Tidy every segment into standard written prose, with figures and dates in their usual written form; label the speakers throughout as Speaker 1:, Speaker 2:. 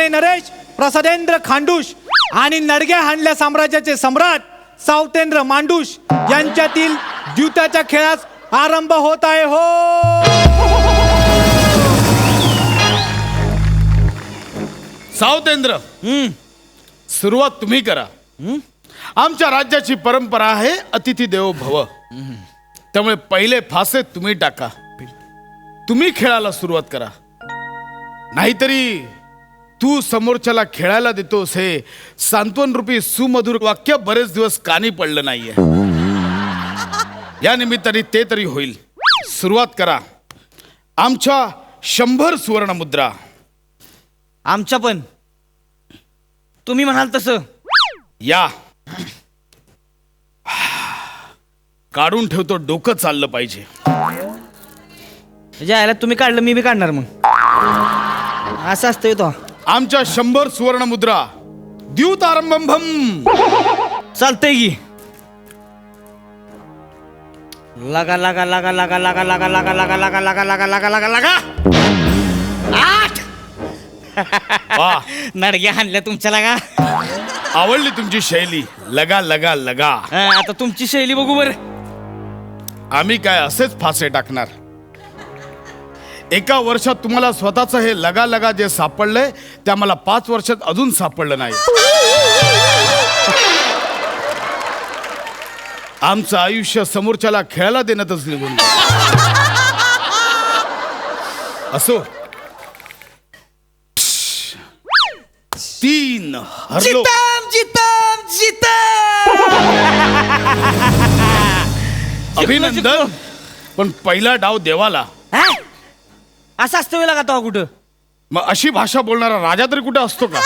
Speaker 1: माने नरेश, प्रसादेंद्र खांडूश आणि नडग्या हाणल्या साम्राज्याचे सम्राट सावतेंद्र मांडूश यांच्यातील द्यूताच्या खेळास आरंभ होत आहे. हो
Speaker 2: सावतेंद्र, सुरुवात तुम्ही करा. आमच्या राज्याची परंपरा आहे अतिथी देवो भव. त्यामुळे पहिले फासे तुम्ही टाका. तुम्ही खेळाला सुरुवात करा. नाहीतरी तू समोरच्याला खेळायला देतोस हे सांत्वन रूपी सुमधुर वाक्य बरेच दिवस कानी पडलं नाहीये. या निमित्ताने ते तरी होईल. सुरुवात करा. आमच्या 100 सुवर्ण मुद्रा.
Speaker 3: आमच्या पण तुम्ही म्हणाल तसं.
Speaker 2: या काढून ठेवतो. डोकं चाललं पाहिजे.
Speaker 3: ज्याला तुम्ही काढलं मी बी काढणार. मग असं असतंय तो.
Speaker 2: आमच्या 100 सुवर्ण मुद्रा. द्यूत आरंभम.
Speaker 3: चालतंय की. लगा लगा लगा लगा लगा लगा लगा लगा लगा लगा लगा लगा लगा लगा 8.
Speaker 2: वा,
Speaker 3: नडग्या हाणल्या तुमच्या लगा.
Speaker 2: आवडली तुमची शैली. लगा लगा लगा.
Speaker 3: आता तुमची शैली बघू बर.
Speaker 2: आम्ही काय असेच फासे टाकणार. एका वर्षात तुम्हाला स्वतःच हे लगा लगा जे सापडलंय ते आम्हाला 5 वर्षात अजून सापडलं नाही. आमचं आयुष्य समोरच्याला खेळायला देण्यातच निघून गेलं. असो. 3 हरलो.
Speaker 3: जितम जितम.
Speaker 2: अभिनंदन. पण पहिला डाव देवाला.
Speaker 3: असं असतं वेळा का तो कुठं.
Speaker 2: मग अशी भाषा बोलणारा राजा तरी कुठे असतो का.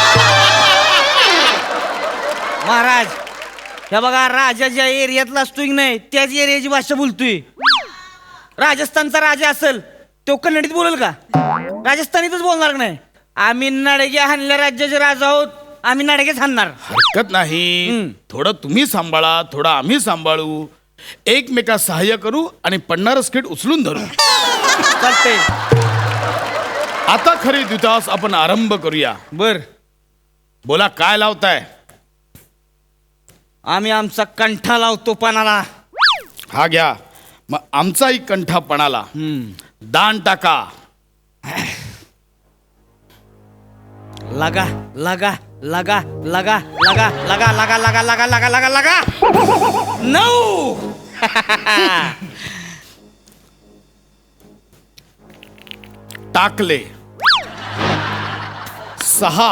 Speaker 3: महाराज हे बघा, राजा ज्या एरियातला असतोय की नाही त्याच एरियाची भाषा बोलतोय. राजस्थानचा राजा असेल तो कन्नडीत बोलेल का. राजस्थानीतच बोलणार का नाही. आम्ही नडग्या हाणल्या राज्याचे राजा आहोत. आम्ही नडगेच हाणणार.
Speaker 2: हरकत नाही. थोडं तुम्ही सांभाळा, थोडं आम्ही सांभाळू. एकमेका सहाय्य करू आणि पडणारं स्किट उचलून धरू.
Speaker 3: चालतंय.
Speaker 2: आता खरी द्यूतास आपण आरंभ करूया.
Speaker 3: बर.
Speaker 2: बोला काय लावताय.
Speaker 3: आम्ही आमचा कंठा लावतो पानाला.
Speaker 2: हा घ्या. मग आमचाही कंठा पणाला. दान टाका.
Speaker 3: लगा लगा लगा लगा लगा लगा लगा लगा लगा लगा लगा लगा 9.
Speaker 2: टाकले. 6.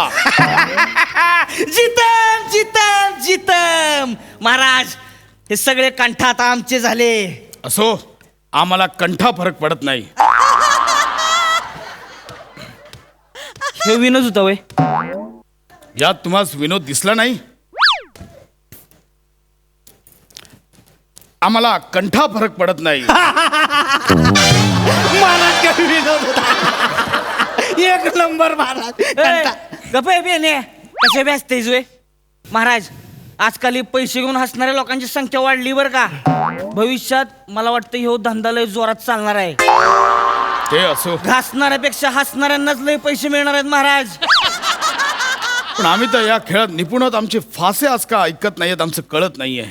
Speaker 3: जितम जितम जितम. महाराज हे सगळे कंठ आता आमचे झाले.
Speaker 2: असो, आम्हाला कंठा फरक पडत नाही.
Speaker 3: हे विनोद होता वय.
Speaker 2: यात तुम्हाला विनोद दिसला नाही. आम्हाला कंठा फरक पडत नाही.
Speaker 1: महाराज काय विनोद होता. 1 नंबर महाराज.
Speaker 3: गप्पे बेने कसे व्यस्त वे. महाराज आजकाल हे पैसे घेऊन हसणाऱ्या लोकांची संख्या वाढली बरं का. भविष्यात मला वाटतं ह्यो धंदा लय जोरात चालणार आहे.
Speaker 2: ते असो.
Speaker 3: घासणाऱ्यापेक्षा हसणाऱ्यांनाच लय पैसे मिळणार आहेत महाराज.
Speaker 2: पण आम्ही तर या खेळात निपुण आहोत. आमचे फासे आज का ऐकत नाहीयेत आमचं कळत नाहीये.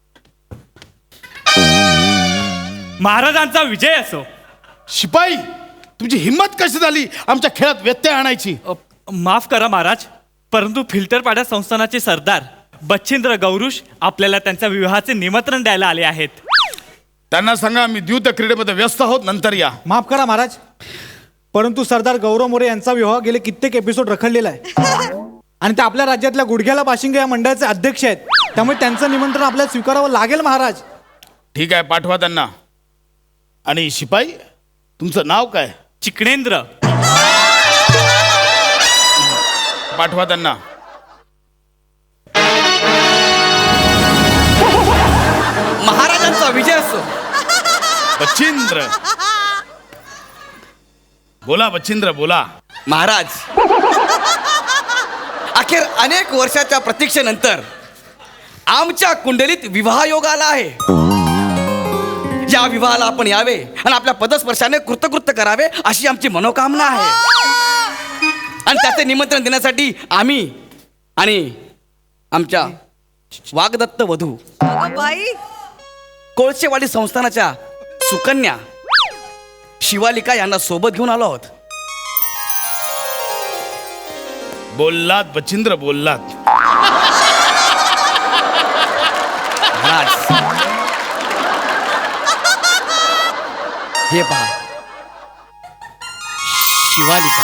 Speaker 4: महाराजांचा विजय असो.
Speaker 2: शिपाई, तुमची हिंमत कशी झाली आमच्या खेळात व्यत्यय आणायची.
Speaker 4: माफ करा महाराज, परंतु फिल्टरपाडा संस्थानाचे सरदार बच्छिंद्र गौरुष आपल्याला त्यांच्या विवाहाचे निमंत्रण द्यायला आले आहेत.
Speaker 2: त्यांना सांगा आम्ही द्यूत क्रीडेमध्ये व्यस्त आहोत, नंतर या.
Speaker 1: माफ करा महाराज, परंतु सरदार गौरव मोरे यांचा विवाह गेले कित्येक एपिसोड रखडलेला आहे आणि ते आपल्या राज्यातल्या गुडघ्याला बाशिंगे या मंडळाचे अध्यक्ष आहेत. त्यामुळे त्यांचं निमंत्रण आपल्याला स्वीकारावं लागेल महाराज.
Speaker 2: ठीक आहे, पाठवा त्यांना. आणि शिपाई, तुमचं नाव काय.
Speaker 4: चिकणेंद्र.
Speaker 2: पाठवा त्यांना.
Speaker 5: महाराजांचा विजय असो.
Speaker 2: बच्छिंद्र, बोला बच्छिंद्र बोला.
Speaker 5: महाराज, अखेर अनेक वर्षाच्या प्रतीक्षेनंतर आमच्या कुंडलीत विवाह योग आला आहे. या विवाहाला आपण यावे आणि आपल्या पदस्पर्शाने कृतकृत्य करावे अशी आमची मनोकामना आहे. आणि त्याचे निमंत्रण देण्यासाठी आम्ही आणि आमच्या वागदत्त वधू
Speaker 6: अगं बाई,
Speaker 5: कोळशेवाडी संस्थानाच्या सुकन्या शिवालिका यांना सोबत घेऊन आलो आहोत.
Speaker 2: बोललात बचिंद्र, बोललात.
Speaker 5: महाराज, हे पहा, शिवालिका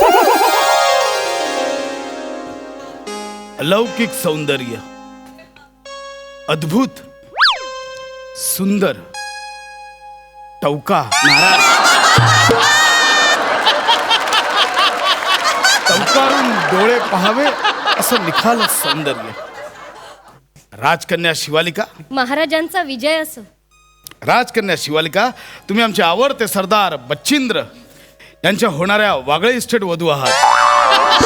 Speaker 2: अलौकिक सौंदर्य, अद्भुत, सुंदर, टवका.
Speaker 5: महाराज,
Speaker 2: टवकारून डोळे पहावे असं निखाल सौंदर्य. राजकन्या शिवालिका,
Speaker 7: महाराजांचा विजय असो.
Speaker 2: राजकन्या शिवालिका, तुम्ही आमचे आवडते सरदार बच्चींद्र यांच्या होणाऱ्या वागळे इस्टेट वधू आहात.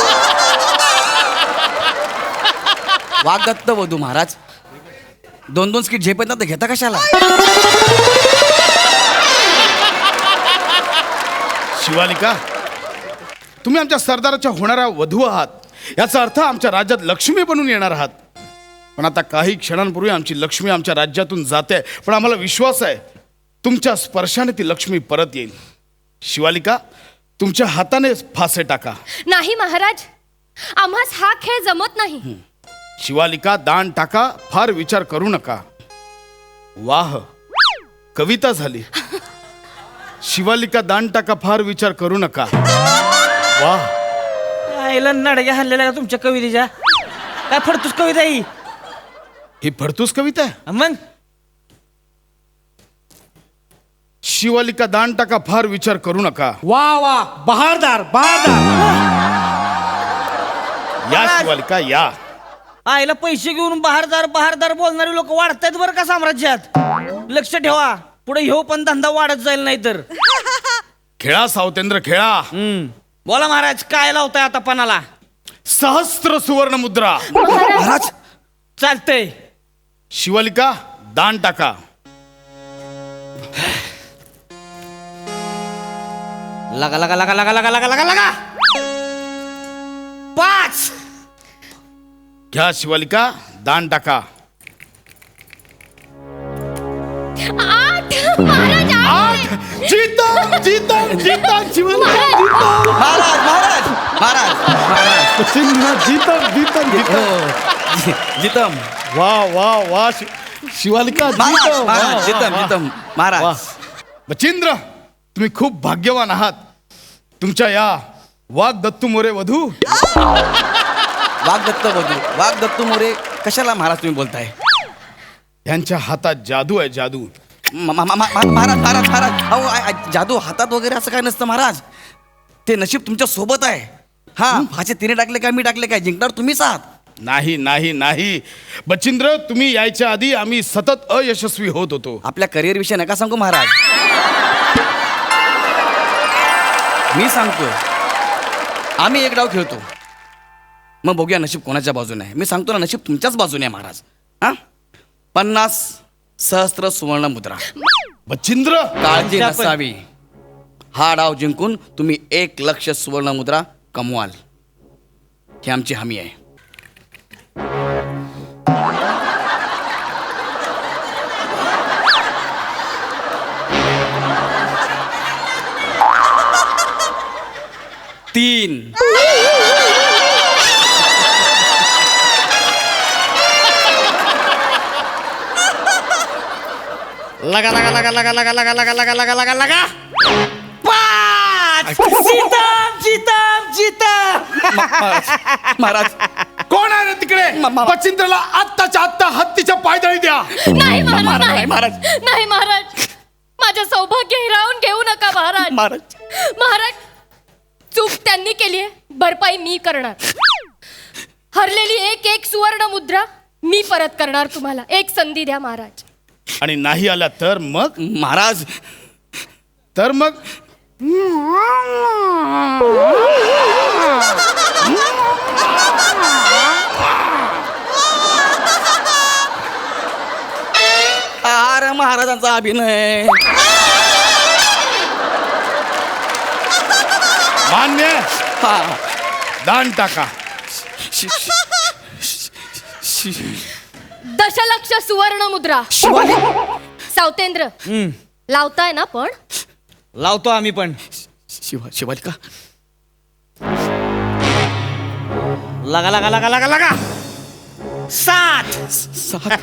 Speaker 5: वागदत्त वधू. महाराज, 2-2 स्किट झेपत ना तर घेता कशाला?
Speaker 2: शिवालिका, तुम्ही आमच्या सरदाराच्या होणाऱ्या वधू आहात, याचा अर्थ आमच्या राज्यात लक्ष्मी बनून येणार आहात. पण आता काही क्षणांपूर्वी आमची लक्ष्मी आमच्या राज्यातून जाते, पण आम्हाला विश्वास आहे तुमच्या स्पर्शाने ती लक्ष्मी परत येईल. शिवालिका, तुमच्या हाताने फासे टाका.
Speaker 7: नाही महाराज, आम्हास हा खेळ जमत नाही.
Speaker 2: शिवालिका, दान टाका, फार विचार करू नका. वाह, कविता झाली. शिवालिका, दान टाका, फार विचार करू नका. वाह.
Speaker 3: आईला नडग्या हल्लेल्या का तुमच्या कवितेच्या? काय फडतूस कविता
Speaker 2: ही फडतूस कविता आहे.
Speaker 3: मग
Speaker 2: शिवालिका, दान टाका, फार विचार करू नका.
Speaker 1: वा वा, बहारदार बहारदार.
Speaker 2: या शिवालिका, या.
Speaker 3: आईला पैसे घेऊन बहारदार बहारदार बोलणारे लोक वाढतायत बरं का साम्राज्यात. लक्ष ठेवा, पुढे ह्यो पण धंदा वाढत जाईल नाही तर.
Speaker 2: खेळा सावतेंद्र, खेळा.
Speaker 3: बोला महाराज, काय लावताय आता पणाला?
Speaker 2: सहस्त्र सुवर्ण मुद्रा.
Speaker 5: महाराज,
Speaker 3: चालतंय.
Speaker 2: शिवालिका, दान टाका.
Speaker 3: लगा लगा लगा लगा लगा लगा लगा लगा 5.
Speaker 2: घ्या शिवालिका, दान टाका.
Speaker 7: 8 महाराज, 8.
Speaker 2: जीतम जीतम जीतम शिवालिका, जीतम.
Speaker 5: महाराज, महाराज, महाराज, महाराज.
Speaker 1: बचिंद्र, जीतम जीतम जीतम.
Speaker 5: हो, जितम.
Speaker 2: वा वा वा, शिवालिका,
Speaker 5: महाराज,
Speaker 2: जीतम. वा,
Speaker 5: महाराज,
Speaker 2: वा,
Speaker 5: जितम,
Speaker 2: वा.
Speaker 5: जितम. महाराज,
Speaker 2: वा. बचिंद्र, तुम्ही खूप भाग्यवान आहात. तुमच्या या वागदत्तू मोरे वधू.
Speaker 5: वागदत्त वधू, वागदत्त मोरे कशाला महाराज तुम्ही बोलताय?
Speaker 2: यांच्या हातात जादू आहे, जादू.
Speaker 5: महाराज, महाराज, महाराज, अहो, जादू हातात वगैरे असं काय नसतं महाराज. ते नशीब तुमच्या सोबत आहे. हा, फाचे तिने टाकले काय मी टाकले काय, जिंकणार तुम्हीच आहात.
Speaker 2: नाही नाही नाही बचिंद्र, तुम्ही यायच्या आधी आम्ही सतत अयशस्वी होत होतो.
Speaker 5: आपल्या करिअर विषयी नका सांगू महाराज. मी सांगतोय, आम्ही एक डाव खेळतो, मग बघूया नशीब कोणाच्या बाजूने आहे. मी सांगतो ना, नशीब तुमच्याच बाजूने आहे महाराज. हा, 50 सहस्त्र सुवर्ण मुद्रा.
Speaker 2: बचिंद्र,
Speaker 5: काळजी
Speaker 3: आमच्या पण.
Speaker 5: नसावी. हा डाव जिंकून तुम्ही 1 लक्ष सुवर्ण मुद्रा कमवाल, ही आमची हमी आहे. तीन.
Speaker 3: लगा लगा लगा लगा लगा लगा लगा लगा लगा लगा लगा 5. जितम जितम जितम.
Speaker 5: महाराज,
Speaker 2: कोण आहे रे तिकडे? बचिंद्रला आत्ताच्या आत्ता हत्तीच्या पायदळी द्या.
Speaker 7: नाही महाराज,
Speaker 5: महाराज,
Speaker 7: नाही
Speaker 5: महाराज.
Speaker 7: नाही महाराज, माझं सौभाग्य हिरावून घेऊ नका महाराज.
Speaker 5: महाराज,
Speaker 7: महाराज, चूक त्यांनी केली आहे, भरपाई मी करणार. हरलेली 1 सुवर्ण मुद्रा मी परत करणार तुम्हाला. एक संधी द्या महाराज.
Speaker 2: आणि नाही आला तर मग?
Speaker 5: महाराज,
Speaker 2: तर मग
Speaker 5: अरे महाराजांचा अभिनय.
Speaker 2: मान्य.
Speaker 5: हा,
Speaker 2: दान टाका.
Speaker 5: शि- शि- शि-
Speaker 7: दशलक्ष सुवर्ण मुद्रा.
Speaker 5: शिवाली
Speaker 7: सावतेंद्र लावताय ना पण?
Speaker 3: लावतो आम्ही पण.
Speaker 5: शिवालिका
Speaker 3: लगा लगा लगा लगा लगा 7.
Speaker 5: 7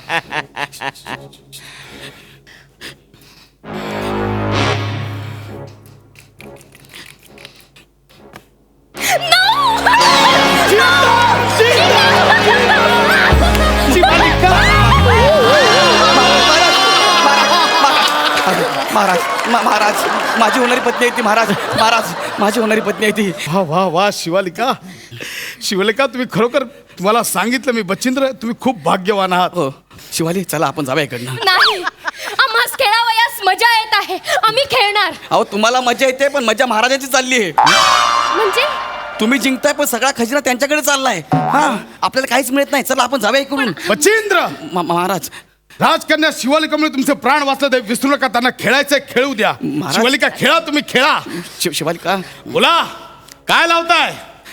Speaker 5: महाराज महाराज माझी होणारी पत्नी आहे ती. महाराज महाराज माझी होणारी पत्नी आहे ती.
Speaker 2: वा वा वा शिवालिका. शिवालिका तुम्ही खरोखर, तुम्हाला सांगितलं मी बचिंद्र, तुम्ही खूप भाग्यवान आहात.
Speaker 5: हो शिवाली चला आपण जाऊया इकडनं.
Speaker 7: नाही, आम्हास खेळावयास मजा येत आहे, आम्ही खेळणार.
Speaker 5: अहो तुम्हाला मजा येते पण मजा महाराजांची चालली आहे.
Speaker 7: म्हणजे
Speaker 5: तुम्ही जिंकताय पण सगळा खजिना त्यांच्याकडे चाललाय. हा आपल्याला काहीच मिळत नाही. चला आपण जाऊया इकडून.
Speaker 2: बचिंद्र,
Speaker 5: महाराज
Speaker 2: राजकन्या शिवालिकामुळे तुमचे प्राण वाचले, ते विसरू नका. त्यांना खेळायचंय, खेळू द्या.
Speaker 5: महाराज-
Speaker 2: शिवालिका खेळा, तुम्ही खेळा.
Speaker 5: शिवालिका
Speaker 2: बोला, काय लावताय?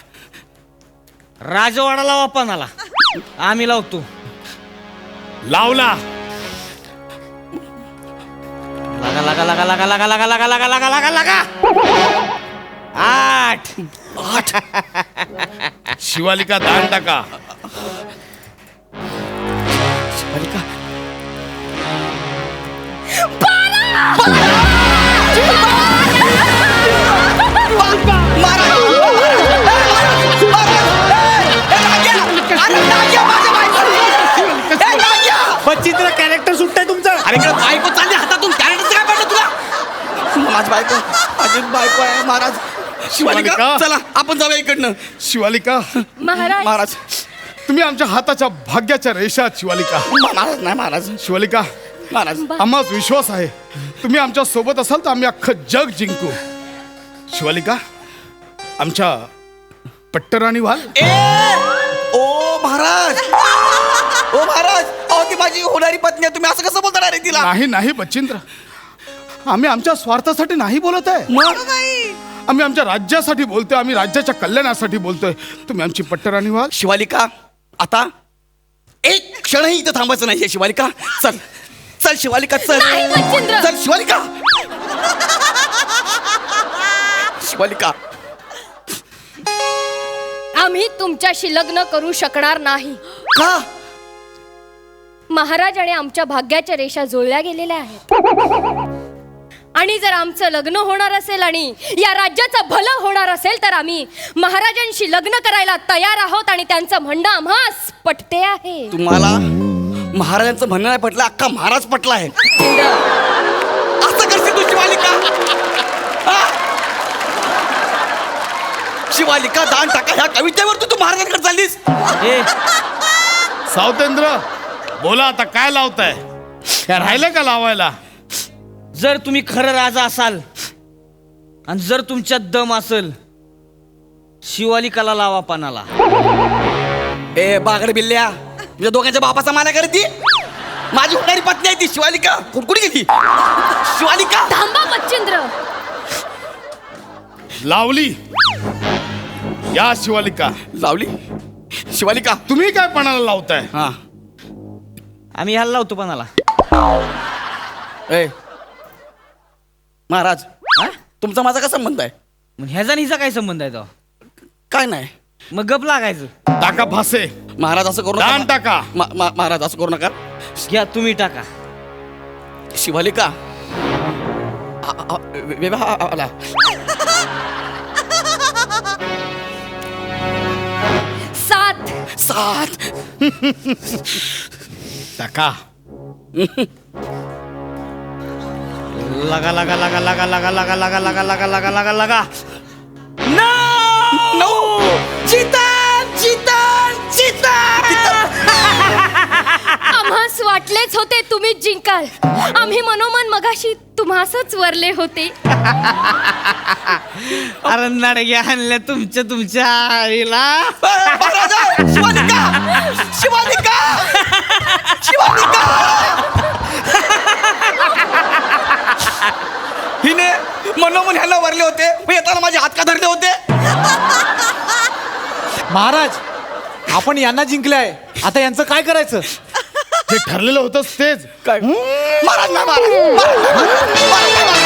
Speaker 3: राजवाडा लावा पानाला. आम्ही लावतो.
Speaker 2: लावला.
Speaker 3: लगा लगा लगा लगा लगा लगा लगा लगा लगा लगा लगा 8.
Speaker 2: शिवालिका दान टाका.
Speaker 5: शिवालिका
Speaker 1: बचिंद्र कॅरेक्टर सुटतंय तुमचं.
Speaker 5: अरे इकडे बायको चालली हातातून. कॅरेक्टरचं काय पडलं तुला? माझी बायको आहे महाराज. शिवालिका
Speaker 2: शिवालिका.
Speaker 5: चला आपण जाऊया इकडनं.
Speaker 2: शिवालिका,
Speaker 7: महाराज
Speaker 5: महाराज
Speaker 2: तुम्ही आमच्या हाताच्या भाग्याच्या रेषात. शिवालिका,
Speaker 5: महाराज नाही महाराज.
Speaker 2: शिवालिका,
Speaker 5: महाराज
Speaker 2: आम्हाच विश्वास आहे तुम्ही आमच्या सोबत असाल तर आम्ही अख्खं जग जिंकू. शिवालिका, आमच्या पट्टराणी व्हाल.
Speaker 5: ओ महाराज ओ महाराज अहो ती माझी होणारी पत्नी आहे. तुम्ही असं कसं बोलणार आहे तिला?
Speaker 2: नाही नाही बचिंद्र, आम्ही आमच्या स्वार्थासाठी नाही बोलत आहे.
Speaker 5: मग
Speaker 2: आम्ही आमच्या राज्यासाठी बोलतोय, आम्ही राज्याच्या कल्याणासाठी बोलतोय. तुम्ही आमची पट्टराणी व्हाल.
Speaker 5: शिवालिका आता एक क्षणही इथं थांबायचं नाहीये. शिवालिका चल चल. शिवालिका चल.
Speaker 7: नाही, बचिंद्र.
Speaker 5: चल शिवालिका. शिवालिका
Speaker 7: आम्ही तुमच्याशी लग्न करू शकणार नाही.
Speaker 5: का?
Speaker 7: महाराज आणि आमच्या भाग्याच्या रेषा जुळल्या गेलेल्या आहेत. आणि जर आमचं लग्न होणार असेल आणि या राज्याचं भलं होणार असेल तर आम्ही महाराजांशी लग्न करायला तयार आहोत. आणि त्यांचं म्हणणं आम्हास पटते आहे.
Speaker 5: तुम्हाला महाराजांचं म्हणणं नाही पटलं, अख्खा महाराज पटला आहे. असं करशील तू शिवालिका? हा? शिवालिका दान टाका ह्या कवितेवर तू महाराजांकडे चाललीस.
Speaker 3: ए,
Speaker 2: सावतेंद्र, बोला आता काय लावताय? काय राहिलं का लावायला?
Speaker 3: जर तुम्ही खरं राजा असाल आणि जर तुमच्यात दम असेल, शिवालिकाला लावा पानाला.
Speaker 5: ए बागड बिल्ल्या, तुझ्या दोघांच्या बापाचा माना करती. माझी होणारी पत्नी आहे ती शिवालिका. कुठे गेली शिवालिका?
Speaker 7: थांबा बच्चेंद्र.
Speaker 2: लावली. या शिवालिका.
Speaker 5: लावली. शिवालिका
Speaker 2: तुम्ही काय पणाला लावताय?
Speaker 5: हा
Speaker 3: आम्ही ह्याला लावतो पानाला.
Speaker 5: ए महाराज
Speaker 3: हा?
Speaker 5: तुमचा माझा काय संबंध आहे?
Speaker 3: मग ह्याचा आणि हिचा काय संबंध आहे तो?
Speaker 5: काय नाही
Speaker 3: मग गप लागायचं.
Speaker 2: टाका फासे.
Speaker 5: महाराज असं करू
Speaker 2: दान
Speaker 5: नका.
Speaker 2: टाका.
Speaker 5: महाराज असं करू नका.
Speaker 3: घ्या तुम्ही टाका.
Speaker 5: शिवालिका आला.
Speaker 7: सात.
Speaker 5: 7
Speaker 2: टाका.
Speaker 3: लगा लगा लगा लगा लगा लगा लगा लगा लगा लगा लगा लगा
Speaker 5: 9 चितन चितन चितन.
Speaker 7: आम्हास वाटलेच होते तुम्हीच जिंकाल. आम्ही मनोमन मगाशी तुम्हासच वरले होते.
Speaker 3: अरे नडग्या आणल्या तुमच्या आईला.
Speaker 5: महाराज शिवालिका शिवालिका शिवालिका. हिने मनोमन ह्याला वरले होते, मग येताना माझे हात का धरले होते?
Speaker 1: महाराज आपण यांना जिंकले आता यांचं काय करायचं?
Speaker 2: जे ठरलेलं होतं तेच
Speaker 5: काय महाराज नाही, महाराज, महाराज, महाराज, महाराज, महाराज,